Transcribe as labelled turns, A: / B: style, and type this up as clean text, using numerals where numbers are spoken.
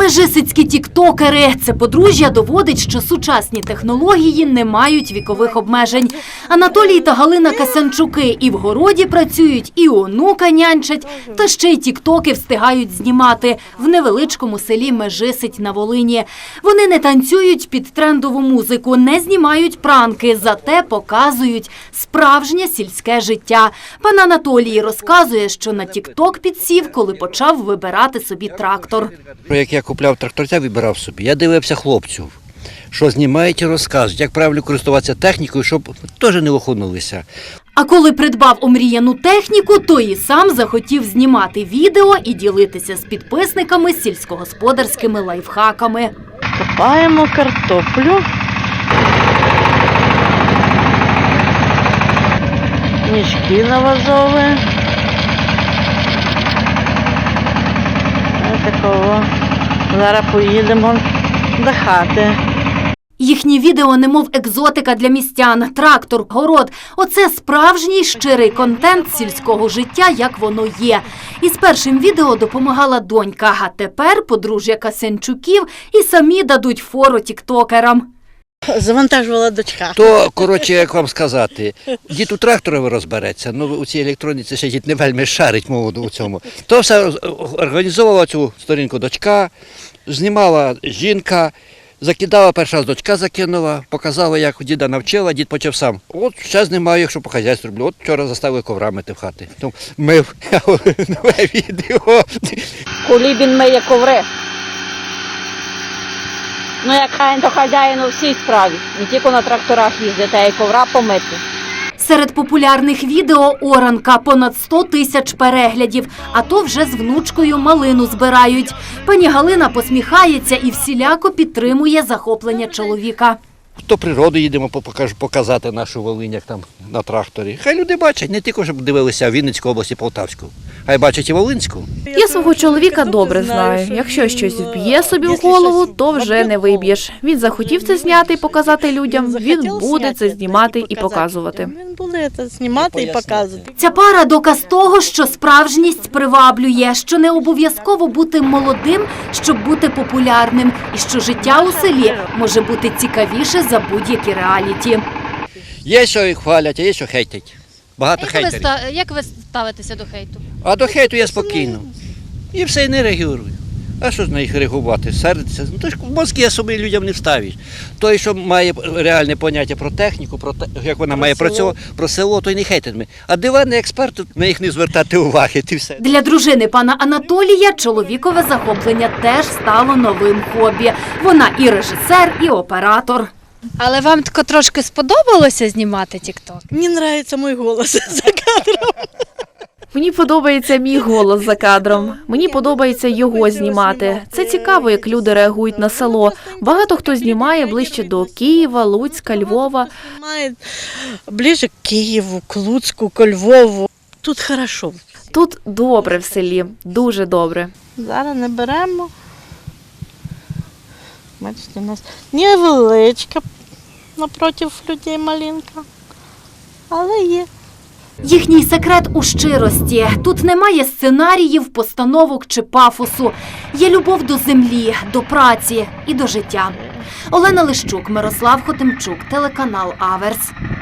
A: Межисицькі тіктокери. Це подружжя доводить, що сучасні технології не мають вікових обмежень. Анатолій та Галина Касянчуки і в городі працюють, і онука нянчать, та ще й тіктоки встигають знімати в невеличкому селі Межисить на Волині. Вони не танцюють під трендову музику, не знімають пранки, зате показують справжнє сільське життя. Пан Анатолій розказує, що на тікток підсів, коли почав вибирати собі трактор.
B: Як я купляв тракторця, вибирав собі, я дивився хлопців, що знімають і розказують, як правильно користуватися технікою, щоб теж не охонулися.
A: А коли придбав омріяну техніку, то і сам захотів знімати відео і ділитися з підписниками сільськогосподарськими лайфхаками.
C: Копаємо картоплю. Мішки навазові. Ось такого. Зараз поїдемо до хати.
A: Їхні відео немов екзотика для містян. Трактор, город – оце справжній щирий контент сільського життя, як воно є. І з першим відео допомагала донька, а тепер подружжя Касянчуків і самі дадуть фору тіктокерам.
C: Завантажувала дочка.
B: То, коротше, як вам сказати, дід у тракторі розбереться, ну у цій електроніці ще дід не вельми шарить мову у цьому. То все організовувала цю сторінку дочка, знімала жінка, закидала, перша раз дочка закинула, показала, як діда навчила, дід почав сам. От ще знімаю, якщо по хазяйству роблю. От вчора заставили ковра мити в хати. Тому мив нове відео.
D: Кулібін миє коври. Ну, як хай, то хазяїн у всій справі. Не тільки на тракторах їздити, а й ковра помити.
A: Серед популярних відео оранка – понад 100 тисяч переглядів, а то вже з внучкою малину збирають. Пані Галина посміхається і всіляко підтримує захоплення чоловіка.
B: То природу їдемо показати нашу Волинь, як там на тракторі. Хай люди бачать, не тільки, щоб дивилися Вінницьку область і Полтавську, хай бачать і Волинську.
E: Я свого чоловіка добре знаю. Якщо щось вб'є собі в голову, то вже не виб'єш. Він захотів це зняти і показати людям, він буде це знімати і показувати.
C: Він буде це знімати і показувати.
A: Ця пара – доказ того, що справжність приваблює, що не обов'язково бути молодим, щоб бути популярним, і що життя у селі може бути цікавіше за будь-які реаліті.
B: Є, що їх хвалять, а є, що хейтять. Багато хейтерів.
F: Як ви ставитеся до хейту?
B: А до хейту я спокійно. І все, і не реагую. А що ж на їх реагувати? Сердиться? Ну, то ж мозки особи людям не вставиш. Той, що має реальне поняття про техніку, про те, як вона має працювати, про село, той не хейтить. А диванний експерт, на їх не звертати уваги. І все.
A: Для дружини пана Анатолія чоловікове захоплення теж стало новим хобі. Вона і режисер, і оператор.
F: Але вам тако трошки сподобалося знімати тікток?
C: Мені подобається мій голос за кадром.
E: Мені подобається мій голос за кадром. Мені подобається його знімати. Це цікаво, як люди реагують на село. Багато хто знімає ближче до Києва, Луцька, Львова.
C: Знімає ближче к Києву, к Луцьку, к Львову. Тут хорошо.
E: Тут добре в селі, дуже добре.
C: Зараз не беремо. Бачите, у нас невеличка напроти людей малинка, але є.
A: Їхній секрет у щирості. Тут немає сценаріїв, постановок чи пафосу. Є любов до землі, до праці і до життя. Олена Лищук, Мирослав Хотимчук, телеканал Аверс.